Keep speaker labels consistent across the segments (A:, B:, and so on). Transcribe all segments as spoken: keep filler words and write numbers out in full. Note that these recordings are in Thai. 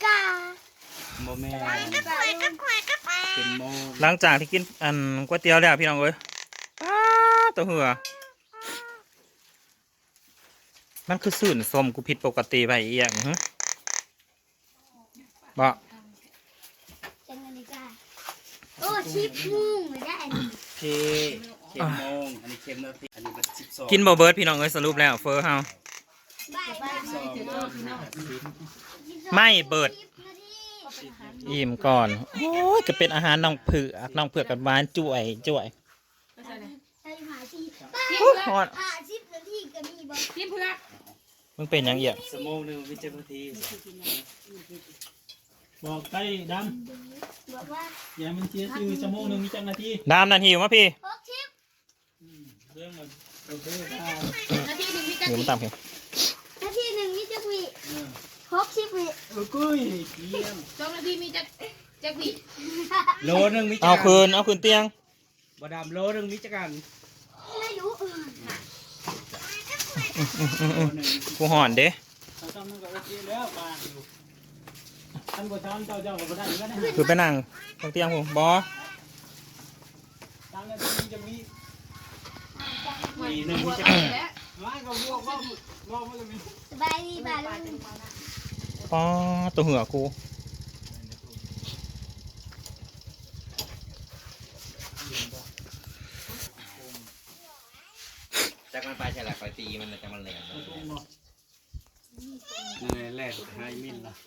A: กา
B: โมแม่
A: เป็นโม
C: หลังจากที่กินอันก๋วยเตี๋ยวแล้วพี่น้องเอ้ยตัวเหือมันคือสื่นส้มกูผิดปกติไปอีกอย่างฮะบ่
A: จังนาฬิกาโอ้ชิปมุ่งเลยได้
B: เคเข็มโมงอันนี้เข็มนาทีอันนี้เป็นสิบสอง
C: กินบ่เบิร์ดพี่น้องเอ้ยสรุปแล้วเฟอร์เฮาไม่เบิดอิ่มก่อนโอ้ยจะเป็นอาหารน้องเผือกน้องเผือกกับหวานจ่วยจ่วยฮอด
A: หาชิปนาทีก็มีบ่ชิปเพื่อ
C: มึงเป็นยังเอีย
B: สมองหนึ่งวิจัยนาที
D: บอกใกล้ด
A: ำบอกว่า
D: อย่ามันเสียชื่อชั่วโมงหนึ่งมีจังนาที
C: ดามนาทีวะพี่
A: หกชิป
D: เรื่องมันโอเค
A: นาทีหนึ่งมีจัก
C: อยู่
A: วิ
C: มันต่ำพี่
A: นาทีหนึ่งมีจักวิหกชิปวิ
D: เออกุ้ยเกี่ยม
A: สองนาทีมีจักจักวิ
B: โลหนึ่งวิจัย
C: เอาคืนเอาคืนเตียง
B: บดามโลหนึ่งวิจัยกัน
A: ไม่รู้
C: กูห่อนเด้
D: เขาทำมันก็โอเคแล้วบ้านอยู่ท่านผู้ชมเจ้าเจ้าก็ได้ก็ได้
C: คือไปนั่งตรงเตียงผมบอ
D: ทางนั้นมีจะมี
B: มีหนึ่งวิจัยกัน
D: ไม่ก็บวกว่าว่ามันจะมี
A: สบายดีบ่าลุง
C: อ๋อตัวเหือกู
E: จากมันไปใช่แหละคอยตีมันจากมันแหลม
B: นั่นแหละไฮมินล่ะ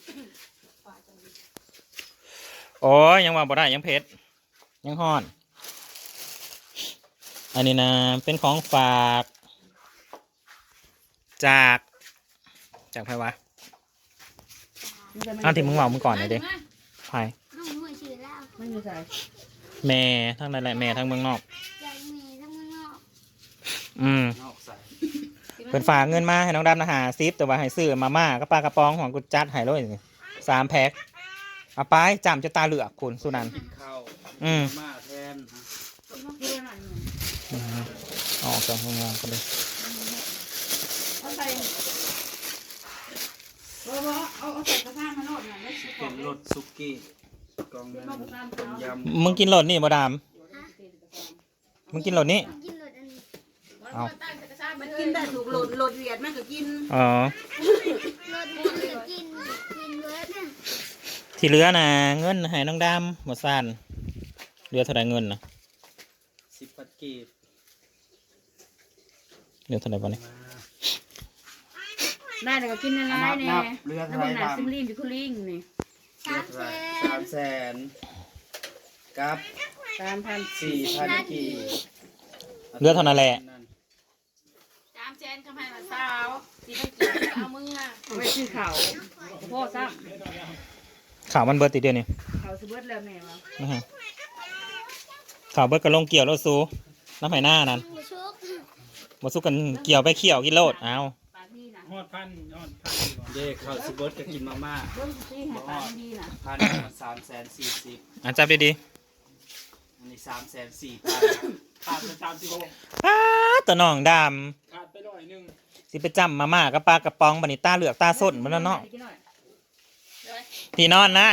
C: โอ้ยยังว่าบ่ได้ยังเพชรยังห่อน อันนี้นะเป็นของฝาก จากจากใครวะอ้าวที่มึงบอกมึงก่อนเลยดิใคร
A: น้องมวยชื่อแล้ว
F: ไม่มีใคร
C: แม่ทั้งนั้นแหละแม่ทั้งเมืองนอก
A: ใจเมย์ทั้งเมืองนอก
C: อืม
B: นอกใส่
C: เป็นฝากเงินมาให้น้องดำนะหาซิปแต่ว่าให้ซื้อมาม่าก็ปลากระป๋องของกูจัดให้เลยสามแพ็คเอาไปจำจะตาเหลือกคุณสุนันท์
B: ข้าว
C: อืม
B: มาแทน
C: อืมออกจากห้องงานกันเลย
F: เอาใส่เอาเอาเอาใส่กระทะมาโนดหน่อยไม่ใช่ข
B: เป็
F: อง
B: นรสซุกี้กองเงินต้มยำ
C: มึงกินรสนี่บ่ดามมึงกินรสนี่
A: กินรถอันนี้
C: เอา
F: มันกินได้ถูกโหลดโหลดเวียดมันก็กิน
C: อ๋อ
A: รถมันก็กินกินเบิร์ดน่ะ
C: ที่เหลือนะเงินให้น้องดำหมดสั้นเหลือเท่าไหรเงินนะ
B: สิบปัดกีบ
C: เหลือเท่าไหรบ้างเนี่ย
F: ได้แต่ก็กินในร้านเนี่ย
B: เรือ
F: แล้ว
B: ไท
F: พวก
B: ย
F: นั้น
B: ทำ
F: ซิมลิมอยู่คุลิงนี่
A: สามแส
B: สาน มแสนกับ
F: สามพัน
B: สี่พันกีบ
C: เหลือเท่านั้นแหละ
F: สามแสนคำให้มาสาวสี่พันกี่เอามือเอาไปซื้อเขาพ่อซ้
C: ข่าวมันเบิร์ติดเดียวนี่
F: ำเขาซื้อเบิร์ดแล้วแม่วะ
C: นะฮะข่าวเบิร์ดกระลงเกี่ยวรถซูน้ำไผ่หน้านั่น
A: หมูชุบ
C: มาสู้กันเกี่ยวไปเขี่ยวกินโลดเอา
F: ปาที่น่ะ
D: ฮอดพันฮอดพัน
B: เด็กข้าวสิบดจะกินมาม่า
F: เบิ้งที่หาปาที่น่ะ
B: พันสามแสนสี่สิบ
C: อ่ะจับดี
B: อันนี้สามแสนสี่พัน
D: ขาดไปสามสิบหก
C: ๆป้าตะน้องด
D: ขาดไปร้อยหนึ่ง
C: ำสิไปจำมาม่ากับปลากระป๋องบันิต้าเหลือกตาส้นมันแล้วเนาะ
F: กินหน่อย
C: ที่นอนนะ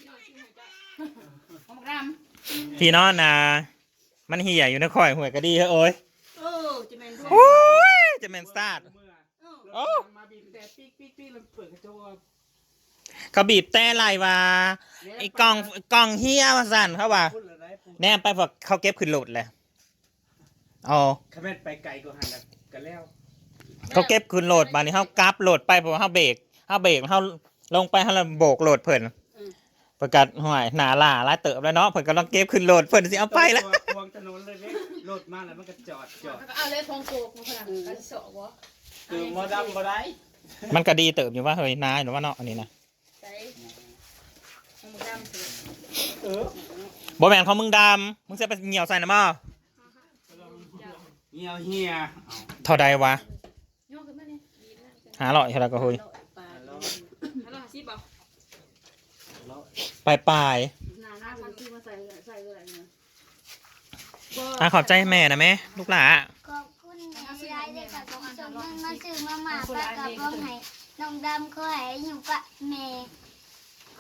F: เอามากรำ
C: ที่นอนนะมันเหี่ยอยู่ในข่อยหวยก็ดีเฮ้ยโอ้ย
F: เออจะเป็นด้วย
C: โอ้ยจะเป็นสตาร์ท
D: เมื่อ
C: โอ้
D: มาบีบแต่ปิ๊กปิ๊กปิ๊กแล้วเปิดกระจก
C: เขาบีบแต่ไรวะไอ้กล่องกล่องเฮียมาสั่นเขาว่า
B: พูดอะไรพูด
C: แนมไปพอเขาเก็บขึ้นโหลดเลยอ๋อ
B: ขมิ้นไปไกลกว่าหันกันแล้ว
C: เขาเก็บขึ้นโหลดบานนี้เขากราฟโหลดไปเพราะว่าเขาเบรกเขาเบรกเขาลงไปเขาเลยโบกโหลดเพิ่นประกาศห่วยหนาล่าไล่เติบแล้วเนาะเพิ่นกำลังเก็บขึ้นโหลดเพิ่นสิเอาไปแล้ว
B: ควงถนนเลยเว้ยรถมาแล้วมันก็จอดจอด
F: เอาเลยพองโกกมาขนาดกันโสวะ
D: คือมอดำบ่ได้
C: มันก็ดีเติบอยู่ว่าเฮ้ยนายหรือว่าเนาะอันนี้นะ
F: ใส่เอามากรำสิ
D: เออ
C: บ่แม่นของมึงดำมึงจะไปเหี่ยวใส่นะมั้ง
B: เหี่ยวเหี่ย
C: เท่าใดวะ
F: โยกขึ้นมาเนี่ย
C: หาหล่อยเท่าไรก็เฮ้ย
F: ฮัลโหลซิบอก
C: ปลายปลาย
F: หน้าหน้าพันที่มาใส่ใส่อะไรเนี่ย
C: ๆอ่ะขอบใจแม่นะแม่ลูกหลา
A: ขอบคุณที่ได้เลยค่ะขอบคุณเงินมาซื้อมาหมาปลากระป๋องให้น้องดำขอให้อยู่กับแม่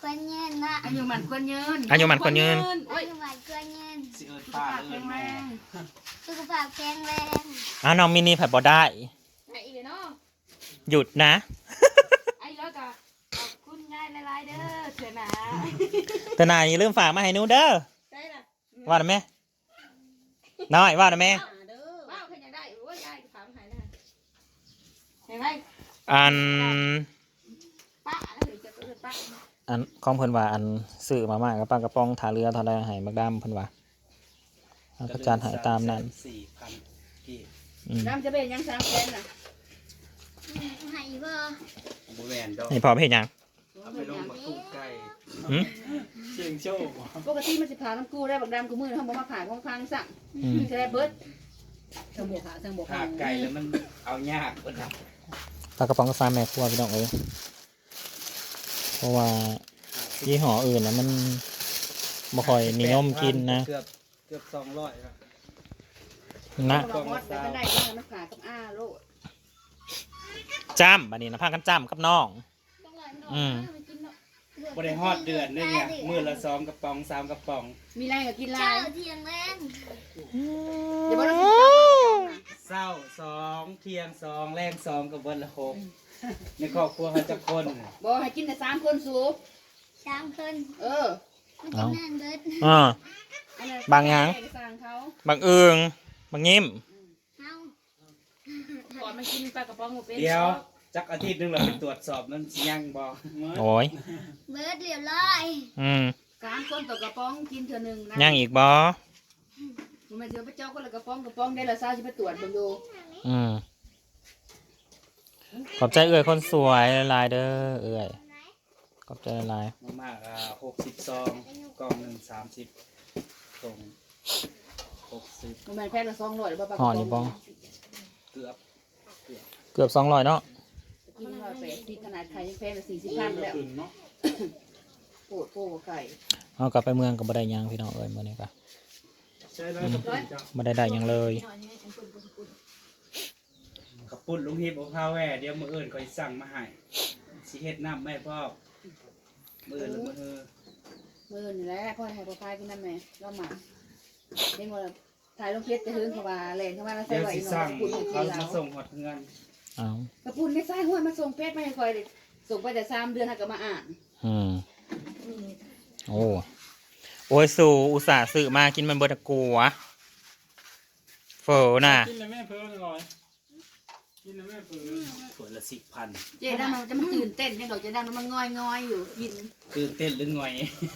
A: ควรเงินนะ
F: อายุมันควรยืน
C: อายุมันควรยืน
F: โอ้
A: อาย ยุมันควรเงิน
B: สิเอิญ
F: สุข
B: ป้า
F: ภาพ
B: เอิ
F: แข็
B: ญ
F: งแร
B: แม่
F: ง
A: สุขภาพแข็งแรง
C: อ้าวน้องมินิผัดบ่ได้
F: ไอ้อีเนาะ
C: หยุดนะ
F: ไอ้แล้วก็ขอบคุณง่ายหลายๆเด้อเถื่อหนา
C: แต่นายอย่าลืมฝากมาให้หนูเด้อ
F: ได้ละ
C: ว่าได้ไหมน้อยว่าได้ไหม
F: เด้อว้าวใครอยากได้โอ้ยยายถามหายนะเห็นไหม
C: อัน
F: ป้าแล้วเดี๋ยวจะเกิดป้า
C: อันของเพิ่นว่าอันซื้อมาม่ากับปลากระป๋องถาเรือเท่าใดให้มักดำเพิ่นว่าเอาก็จานให้ตามนั้น
B: สี่พันกี่
C: อืม
F: น้ำจะเป็นยังสามแสนน่ะ
A: ให้บ่
B: บแวนดอก
C: นี่พอเฮ็ดหยัง
B: เอาไปลงมากุ้งไก่
C: หึ
D: เชียงโชค
F: ปกติมันสิผ่าน้ำกู้ได้บักดำกูมือเขาบอกมาผ่าของพังสั่ง
C: อืม
F: จะได้เบิดเชิงบวกหาเชิงบวก
B: ขาไก่แล้วมันเอายากกว่าครับ
C: ปลากระป๋องกาแฟแม่ครัวพี่น้องเอ้ยเพราะว่ายี่ห้ออื่นนะมันบ่ค่อยนิยมกินนะ
B: เกือบเกือบสองร้อยครับ
C: นะ
F: บอกมอดแต่ก็ได้ก็มันผ่ากับอ้าโลด
C: จ้ำบัดนี้นะพากันจ้ำกับน้อง อืม
B: บริฮอดเดือนนี่เนี่ยมือละสองกระป๋องสามกระป๋อง
F: มีแรงก็กินลา
A: เจ้าย เทียงแรง
F: เดี๋ยวบอกเรา
B: เศร้าสองเที่ยงสองแรงสองกับวันละหกในครอบครัวเขาจะคน
F: บอกให้กินแต่สามคนสูบ
A: สามคน
F: เออ
A: มันจะนั่นเบิด
C: อ่า
F: อันนั้น
C: บางอย่าง
F: สั่งเขา
C: บางเอิงบางยิ้ม
A: เฮา
F: ก่อนมันกินปลากระป๋องหมูเป็น
B: เดี๋ยวจักอาทิตย์หนึงเราไปตรวจสอบมันสิยังบ่
C: โอ้ย
A: เบิดเรียบร้อย
C: อืม
F: สามคนต่อกระป๋องกินเท่านึงนะ
C: ย่างอีกบ่
F: มันไม่เจอไปเจ้าก็เลยกระป๋องกระป๋องได้ละซาจะไปตรวจเบิ่งดู
C: อืมขอบใจเอื่อยคนสวยหลายๆเด้อเอื่อยขอบใจหลาย
B: มากๆอ่าหกสิบซองกล่องหนึ่งสามสิบตรงหกสิบ
F: มันแม่นแพงละสองร้อยหรือเปล่าปลาก
C: ห่
F: ระ
C: อ
F: ป๋อง
C: นี่บ่
B: เกือบ
C: เกือบสองร้อยเนาะ
F: กินร้อยแปดสิบขนาดไข่ยังแพงละสี่สิบพันแล้ว
D: ขึ้นเนาะ
F: โปรดโปรดไข่
C: เอากลับไปเมืองก็บ่ได้หยังพี่น้องเอ้ยมื้อนี้ก็
D: ใช่แล้วกับปุ่นจ้ะ
C: บ่ได้ได้หยังเลย
B: ขับปุ่นลุงฮิปเอาข้าวแหว่เดี๋ยวมืออื่นก็สิสั่งมาให้สิเฮ็ดน้ำแม่พ่อมืออื่นหรือมือฮือ
F: มือนี่แหละพ่อให้พ่อพายกินน้ำแม่เราหมาเด้งว่าถ่ายลงเพชรจะหึงเขาว่าแรงเขาว่าเราใส่
B: เดี๋ยว
F: ไว้
B: สิ
F: เนาะ
B: สั่ง
F: ปุ่นให้กิ
B: เขา
F: นเรา
B: มาส่งหอดเงิน
C: เอา
F: กระปุ่นไม่ใส่ห้วยมาส่งเพชรไม่ให้คอยเลยส่งไปแต่สามเดือนให้ก็มาอ่าน
C: อืมโอ้โอ้ยสู่อุตส่าห์ซื้อมากินมันเบิดอะกูวะเฟอน่ะ
D: กินเลยแม่เพิ่มหน่อยกินเลยแม่เพิ่ม
B: ขวดละสิบพัน
F: เจ๊ดำมันจะมันตื่นเต้นยังดอกเจ๊ดำมันงอยงอยอยู่กิน
B: ตื่นเต้นหรือหน่อย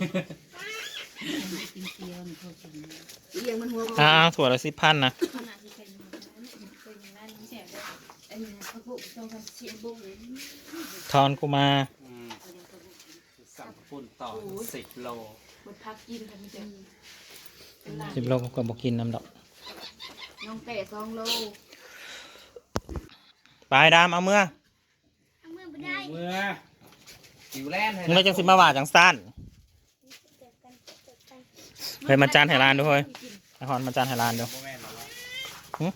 F: เลี้ยงมันหัว
C: อ้าวถั่วละสิบพันนะ
F: อันนี้เขาพูดต้องทำเสียงบุ้งเลย
C: ทอนกูมา
B: อืมสั่งปุ่นต่อสิบโล
F: มันพักกินกันไม่เจอเป็นลาน
C: สิบโลก็กบอกินน้ำดอก
F: น้องเตะสองโล
C: ไปดามเอาเมื่อ
A: เอามือบ่ได้
B: เมื่อ
E: ผิวแล่น
C: มึงไม่จังสิมาว่าจังสั้นเฮ้ยมาจานไห้ลานดูเฮ้ยไอคอนมาจานไห้ลานดู
B: บ่แม่นหรอกวะ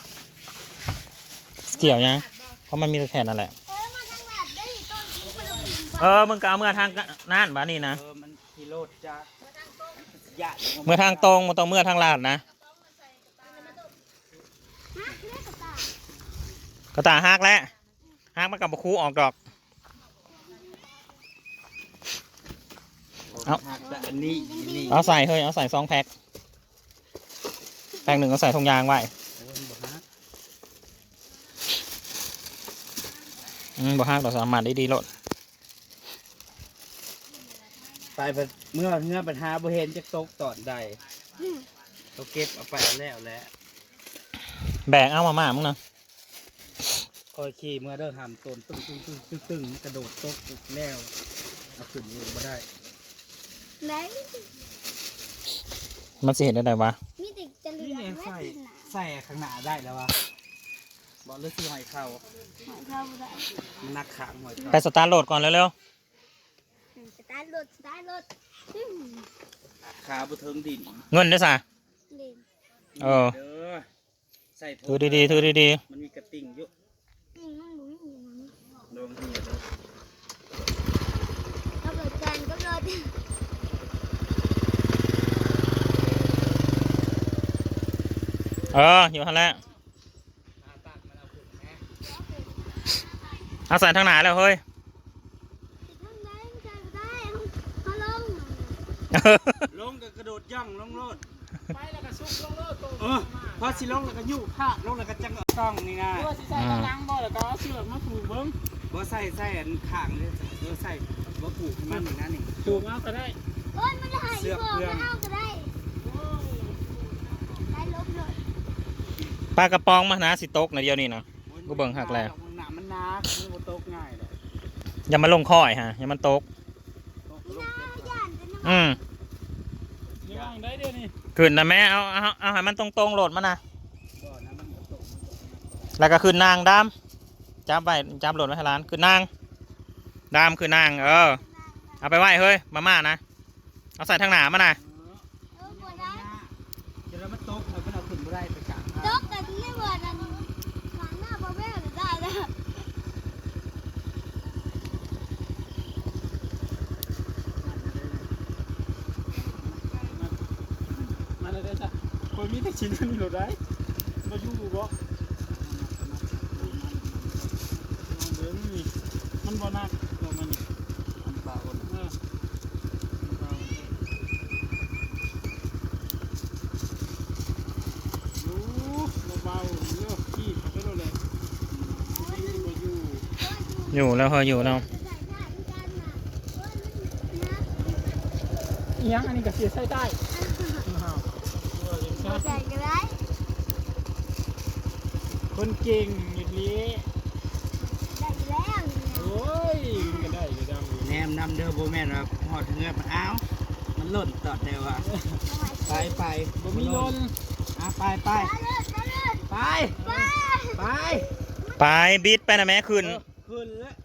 C: เกี่ยวยังเพราะมันมีแต่แค่นั่นแหละ
A: เออมาทางแบบได้ต้นนี้มันลงดิน
C: เออมึงก็เอาเมื่อทางนั่นบ้านี่นะ
B: เออมันกิโลจ้าญาติ
C: เมื่อทางตรงมันต้องเมื่อทางลาดนะ
A: ฮะเรียกกระตาย
C: กระตาหักแล้วหักมันกับบคูออกดอก เอา
B: หักแต่อันนี้นี่
C: เอาใส่เฮ้ยเอาใส่ซองแพ็คแพ็คหนึ่งเอาใส่ถุงยางไว้
B: โอ้ยบ่ฮัก
C: อืมบ่หักดอกสามารถได้ดีโลด
B: ไปเพิ่นเมื่อเมื่อปัญหาบ่เห็นจะตกตอนใดเขาเก็บเอาไปแล้วแหละ
C: แบกเอามาม่ามึงนะ
B: คอยขี่เมื่อเด้อหามต้นตึ้งตึ้งตึ้งตึ้งตึ้งกระโดดตกแล้วเอาขึ้นเองบ่ได้
A: ไหน
C: มันสิเห็นได้ไงวะ
A: มีแต่จะเหลื
B: นี่
A: อ
B: ไง
A: แม่
B: ใส่
A: ที่หนา
B: ใส่ข้างหน้าได้แล้ววะบอกเลือกซื้อหอยเข่า
A: หอยเข้าบ่ได้
B: มันนักขางหอยเข่า
C: ไปสตาร์ทโหลดก่อนเร็ว
A: อืมสตาร์ทรถสตาร์ทรถอืม
B: ขาบุเทิงดิน
C: ๆเงินด้วยสะ
A: เด่น
C: เออ
B: เด้อใส่โถ
C: ถือดีๆถือดี
B: มันมีกระติ่งอยู่
A: อืมมันบ่มีหยัง
B: ลองเหียเด้อ
A: ก็เปิดจานก็รอ
C: เอออยู่ข้างแล้วเอาใส่ทางหนาแล้วเฮ้ย
A: ทางไหนมันจะได้เขาลง
B: ลงก็กระโดดย่องลงโลด
D: ไปแล้วก็ซุกลงเลิกตัว
B: เออพอสิลงแล้วก็ยู่ผ้าลงแล้วก็จังเอาต้องนี่นะ
D: ตัวสิใส่กำลังบ่แล้วก็เอาเสือกมาผูกเบิ้ง
B: บ่ใส่ใส่อันข้างเลยเออใส่บ่ผูกให้มันอย่างนั้นนี่
D: ผูกเอาก็ได้
A: โอ้ยมันจะหายพวกมันเอาก็ได้ได้ลบเลย
C: ปลากระป๋องมาหนาสิตกในะเดียวนี่นะ กูเบิ่งหักแล้ว
B: หนามันหนักมันบ่ตกง่ายเลย
C: อย่ามาลงค่อยฮะอย่ามันตก
B: ตกล
A: น่าง ย่านจะน้ำ
C: อืม
D: เดี๋ยวได้เดี๋ยวนี้
C: ขึ้นนะแม่เอาเอาเอาให้มันตรงๆโหลดมานะ
B: บ่นะมันบ่ตก
C: แล้วก็ขึ้นนางดามจับไปจับโหลดไว้ให้ร้านขึ้นนางดามขึ้นนางเออเอาไปไหว้เฮ้ยมาม่านะเอาใส่ทางหนามานะ
A: เออปวดได้
B: เดี๋ยวแล้วมันตกแล้วมันเอาขึ้นบ่ได้ไปกลาง
A: ตกกันไม่เหมือนกันขางหน้าพ่อแม่จะได้แล้ว
D: มาเลยได้จ้ะคนมีแต่ชิ้นนี้หลุดได้มาอยู่บ่เดี๋ยวนี่มันบ่นักตัวมันนี่
B: มันเบา
D: เออรู้เบาๆเลือกขี้เขาไปเลยไม่อยู่
C: อยู่แล้วเฮ้ยอยู่แล้ว
D: อีหยังอันนี้ก็เสียใส่ได้
A: ใส่ก็ได้
D: คนเก่งหยุดเลี้ย
A: ได้แล้ว
D: โอ้ยมันก็ได้ก็ได้
B: แนมนำเด้อบ่แม่นว่าฮอดเงือบมันอ้าวมันหล่นตอดเดียวอ่ะไปไป
D: บ่มีลน
B: อ่ะไปไป
A: ไปเลยไปเลย
B: ไป
A: ไป
B: ไป
C: ไปบิดไปนะแม่ขึ้น
B: ขึ้นแล้ว